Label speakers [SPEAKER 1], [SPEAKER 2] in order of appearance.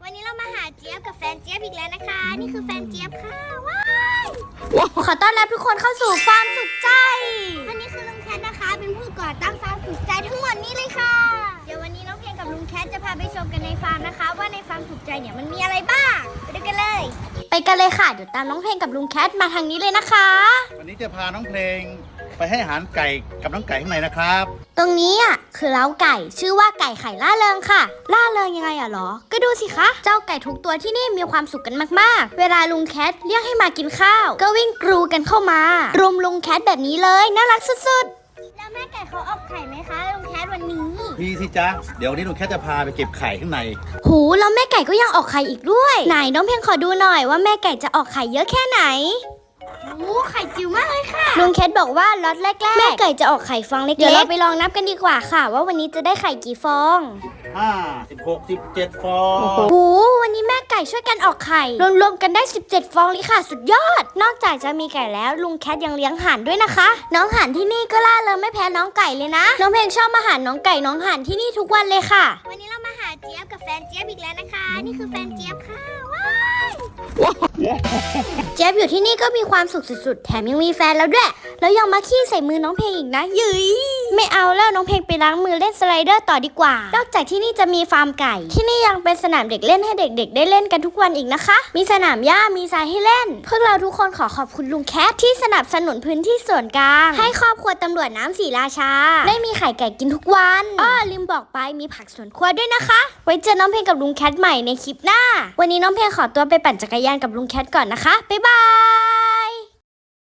[SPEAKER 1] วันนี้เรามาหาเจี๊ยบกับแฟนเจี๊ยบอีกแล้วนะคะ นี่คือแฟนเจี๊ยบค่ะว้าย
[SPEAKER 2] ขอต้อนรับทุกคนเข้าสู่ฟาร์มสุขใจ
[SPEAKER 1] วันนี้คือลุงแคทนะคะ เป็นผู้ก่อตั้งฟาร์มสุขใจทั้งหมดนี้เลยค่ะ เดี๋ยววันนี้น้องเพลงกับลุงแคทจะพาไปชมกันในฟาร์มนะคะ ว่าในฟาร์มสุขใจเนี่ยมันมีอะไรบ้างไปดูกันเลย
[SPEAKER 2] ไปกันเลยค่ะ เดี๋ยวตามน้องเพลงกับลุงแคทมาทางนี้เลยนะคะ
[SPEAKER 3] วันนี้จะพาน้องเพลงไปให้อาหารไก่กับน้องไก่ข้างในนะครับ
[SPEAKER 2] ตรงนี้อ่ะคือเล้าไก่ชื่อว่าไก่ไข่ล่าเริงค่ะ ล่าเริงยังไงอ่ะหรอ ก็ดูสิคะ เจ้าไก่ทุกตัวที่นี่มีความสุขกันมากๆ เวลาลุงแคทเรียกให้มากินข้าว ก็วิ่งกรูกันเข้ามารุมลุงแคทแบบนี้เลยน่ารักสุด
[SPEAKER 1] แล้วแม่ไก่เขาออกไข่ไหมคะลุงแคทวันนี้
[SPEAKER 3] พี่สิจ๊ะเดี๋ยววันนี้ลุงแค่จะพาไปเก็บไข่ข้างใน
[SPEAKER 2] ๆหูแล้วแม่ไก่ก็ยังออกไข่อีกด้วยไหนน้องเพลงขอดูหน่อยว่าแม่ไก่จะออกไข่เยอะแค่ไหน
[SPEAKER 1] โอ้ไข่จิ๋วมากเลยค่ะ
[SPEAKER 2] ลุงแคทบอกว่าล็อตแรกๆแม่ไก่จะออกไข่ฟองเล็กๆเดี๋ยวเราไปลองนับกันดีกว่าค่ะ ว่าวันนี้จะได้ไข่กี่ฟอง
[SPEAKER 3] 5 16 17 ฟอง
[SPEAKER 2] โอ้วันนี้แม่ไก่ช่วยกันออกไข่รวมๆกันได้17ฟองเลยค่ะสุดยอด นอกจากจะมีไก่แล้วลุงแคทยังเลี้ยงห่านด้วยนะคะ น้องห่านที่นี่ก็ล่าเริงไม่แพ้น้องไก่เลยนะน้องเพลงชอบมาหาน้องไก่น้องห่านที่นี่ทุกวันเลยค่ะ
[SPEAKER 1] วันนี้เรามาหาเจี๊ยบกับแฟนเจี๊ยบอีกแล้วนะคะ นี่คือแฟนเจี๊ยบค่ะว้าย
[SPEAKER 2] เจี๊ยบอยู่ที่นี่ก็มีความสุขสุดๆแถมยังมีแฟนแล้วด้วยแล้วยังมาขี้ใส่มือน้องเพลงอีกนะยืยไม่เอาแล้วน้องเพลงไปล้างมือเล่นสไลเดอร์ต่อดีกว่านอกจากที่นี่จะมีฟาร์มไก่ที่นี่ยังเป็นสนามเด็กเล่นให้เด็กๆได้เล่นกันทุกวันอีกนะคะ มีสนามหญ้ามีทรายให้เล่นพวกเราทุกคนขอขอบคุณลุงแคทที่สนับสนุนพื้นที่ส่วนกลางให้ครอบครัวตำรวจน้ำศรีราชาได้มีไข่ไก่กินทุกวันลืมบอกไปมีผักสวนครัวด้วยนะคะ ไว้เจอน้องเพลงกับลุงแคทใหม่ในคลิปหน้าวันนี้น้องเพลงขอตัวไปปั่นจักรยานกับลุงแคทก่อนนะคะบ๊ายบาย